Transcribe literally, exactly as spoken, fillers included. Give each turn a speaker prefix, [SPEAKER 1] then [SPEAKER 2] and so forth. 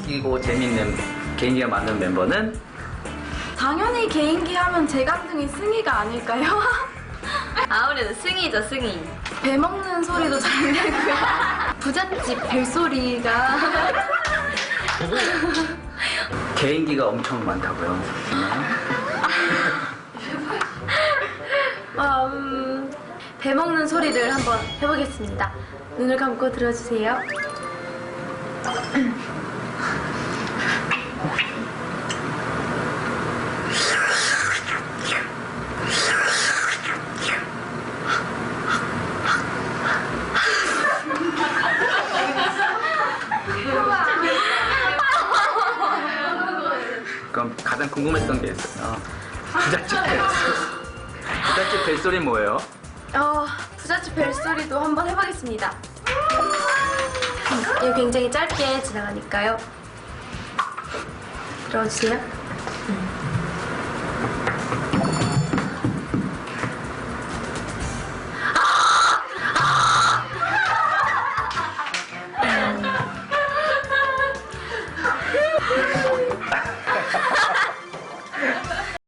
[SPEAKER 1] 웃기고 재밌는 개인기가 많은 멤버는?
[SPEAKER 2] 당연히 개인기 하면 제 감성이 승희가 아닐까요?
[SPEAKER 3] 아무래도 승희죠, 승희.
[SPEAKER 2] 배 먹는 소리도 잘 내고요. 부잣집 벨소리가.
[SPEAKER 1] 개인기가 엄청 많다고요.
[SPEAKER 2] 어, 음, 배 먹는 소리를 한번 해보겠습니다. 눈을 감고 들어주세요.
[SPEAKER 1] 그럼 가장 궁금했던 게 있어요. 부잣집 벨소리. 부잣집 벨소리 뭐예요?
[SPEAKER 2] 어, 부잣집 벨소리도 한번 해보겠습니다. 음, 이거 굉장히 짧게 지나가니까요. 들어주세요. 음.